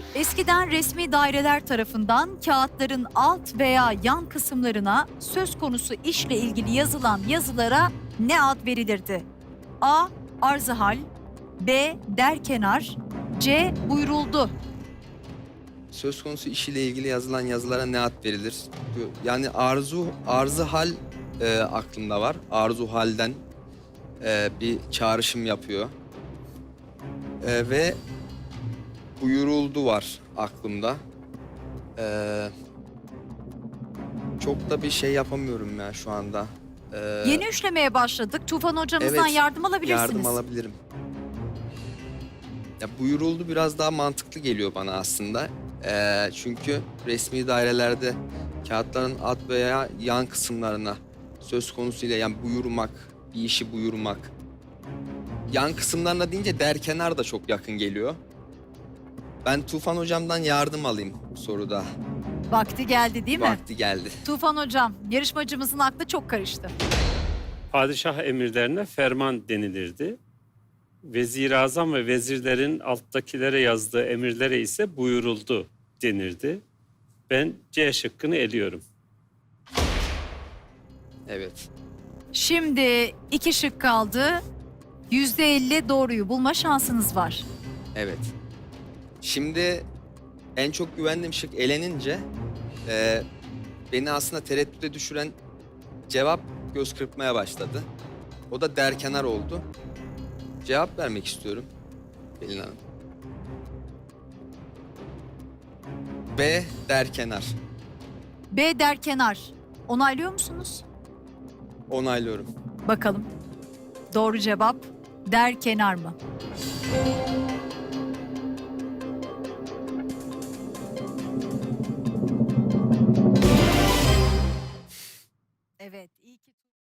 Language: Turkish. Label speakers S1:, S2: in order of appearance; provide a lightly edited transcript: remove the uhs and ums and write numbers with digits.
S1: Eskiden resmi daireler tarafından kağıtların alt veya yan kısımlarına söz konusu işle ilgili yazılan yazılara ne ad verilirdi? A. Arzıhal, B. Derkenar, C. Buyuruldu.
S2: Söz konusu iş ile ilgili yazılan yazılara ne ad verilir? Yani arzı hal aklımda var. Arzu halden bir çağrışım yapıyor. Ve buyuruldu var aklımda. Çok da bir şey yapamıyorum ya şu anda.
S1: Yeni üçlemeye başladık. Tufan hocamızdan
S2: Evet,
S1: yardım alabilirsiniz.
S2: yardım alabilirim. Ya buyuruldu biraz daha mantıklı geliyor bana aslında. Çünkü resmi dairelerde kağıtların alt veya yan kısımlarına söz konusuyla yani buyurmak, bir işi buyurmak. Yan kısımlarına deyince derkenar da çok yakın geliyor. Ben Tufan hocamdan yardım alayım bu soruda.
S1: Vakti geldi değil mi?
S2: Vakti geldi.
S1: Tufan hocam, yarışmacımızın aklı çok karıştı.
S3: Padişah emirlerine ferman denilirdi. Vezir-i ve vezirlerin alttakilere yazdığı emirlere ise buyuruldu denirdi. Ben C şıkkını eliyorum.
S2: Evet.
S1: Şimdi 2 şık kaldı. %50 doğruyu bulma şansınız var.
S2: Evet. Şimdi en çok güvendiğim şık elenince beni aslında tereddüte düşüren cevap göz kırpmaya başladı. O da derkenar oldu. Cevap vermek istiyorum Pelin Hanım. B derkenar.
S1: B. Derkenar. Onaylıyor musunuz?
S2: Onaylıyorum.
S1: Bakalım. Doğru cevap derkenar mı? Evet, iyi ki